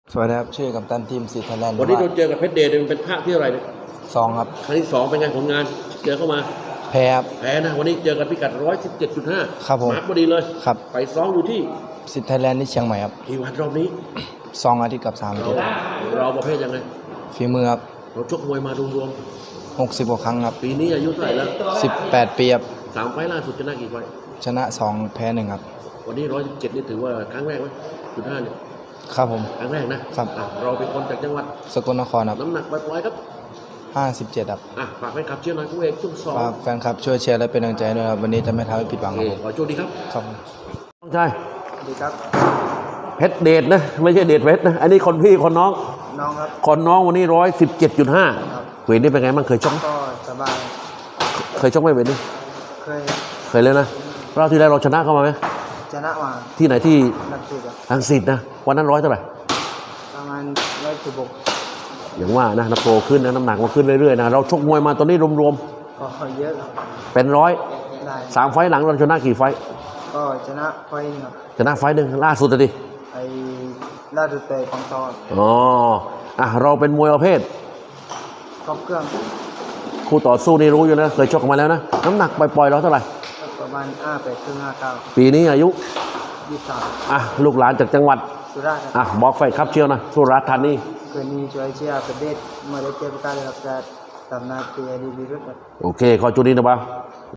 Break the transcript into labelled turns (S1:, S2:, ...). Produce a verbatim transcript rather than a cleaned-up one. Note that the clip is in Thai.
S1: สวัสดีครับชื่อกัปตันทีมสิทธิ์ไทยแลนด์
S2: วันนี้เราเจอกับเพชรเดชมันเป็นภาคที่อะไรเนี่ย
S1: สองครับ
S2: ครั้งที่สองเป็นไงผลงานเจอเข้ามา
S1: แพ้ครับ
S2: แพ้นะวันนี้เจอกันพิกัดร้อยสิบเจ็ดจุดห้า
S1: ครับผม
S2: มาร์กพอดีเลย
S1: ครับ
S2: ไปซ้อมอยู่ที่
S1: สิทธิ์ไทยแลนด์ที่เชียงใหม่ครับ
S2: กี่วันรอบนี้
S1: สองอาทิตย์กับสามอาทิตย์
S2: เราประเภทยังไง
S1: ฝีมือครับ
S2: เราชกมวยมารวม
S1: หกสิบกว่าครั้งครับ
S2: ๆปีนี้อายุเท่าไหร่แล้ว
S1: สิบแปดปีครับ
S2: สามไฟล์ล่าสุดชนะกี่ไฟล์
S1: ชนะสองแพ้หนึ่งครับ
S2: วันนี้ร้อยสิบเจ็ดนี่ถือว่าครั้งแรกไหมจุดห้าเนี่ย
S1: ครับผม
S2: ครั้งแรกนะครับเราเป็นคนจากจังหวัด
S1: สกลนครครับ
S2: น้ำหนักปล่อยๆครับ
S1: ห้าสิบเจ็ดครับ
S2: อ่ะฝากแฟนคลับเชียร์หน่อยคู่เอกช่วงสอง
S1: ฝากแฟนคลับช่วยเชียร์และเป็นกำลังใจด้วยครับวันนี้จะไม่ทำให้ผิดหวังครับผม
S2: ขอโชคดีครับ
S1: ครับ
S2: น้องชาย
S1: สวัสดีครับ
S2: เพชรเดชนะไม่ใช่เดชเพชรนะอันนี้คนพี่คนน้อง
S1: น้องครับ
S2: คนน้องวันนี้ร้อยสิบเจ็ดจุดห้าเวทนี่เป็นไงบ้างเคยชก
S1: ก็สบาย
S2: เคยชกไหมเวทนี่
S1: เคย
S2: เคยเลยนะรอบที่แล้วเราชนะเข้ามาไหม
S1: ชนะมา
S2: ที่ไหนที่
S1: นักสู้ครับ
S2: ทางสิทธิ์นะวันนั้นร้อยเท่าไหร่
S1: ประมาณร้อยสิบหก
S2: อย่างว่านะนักโตขึ้นนะน้ำหนักมันขึ้นเรื่อยๆนะเราชกมวยมาตอนนี้รวม
S1: ก็เยอะ
S2: ๆเป็นร้อย
S1: ได้
S2: สามไฟล์หลังเราชนะกี่ไฟล์
S1: ก็ชนะไฟล์ครับ
S2: ชนะไฟล์หนึ่งล่าสุดเลยดิ
S1: ไอ้ล่าสุดเตะของตอน
S2: อ๋ออ่ะเราเป็นมวยประเภท
S1: ครบเครื่อง
S2: คู่ต่อสู้นี่รู้อยู่นะเคยชกกันมาแล้วนะน้ำหนักปล่อยๆเราเท่าไหร่
S1: ประมาณห้าแปดครึ่งห้าเก้า
S2: ปีนี้อายุ
S1: ยี่สิบสาม
S2: อ่ะลูกหลานจากจังหวัด
S1: สุราษฎร์
S2: อ่ะบอกไฟครับเชียวนะสุราษฎร์ธานี
S1: คืนนี้ช่วยเชียร์ประเทศมาเลเซียประกาศรับการทำหน้าที่ดีดีด้วย
S2: โอเคขอจุดนี้นะบ้า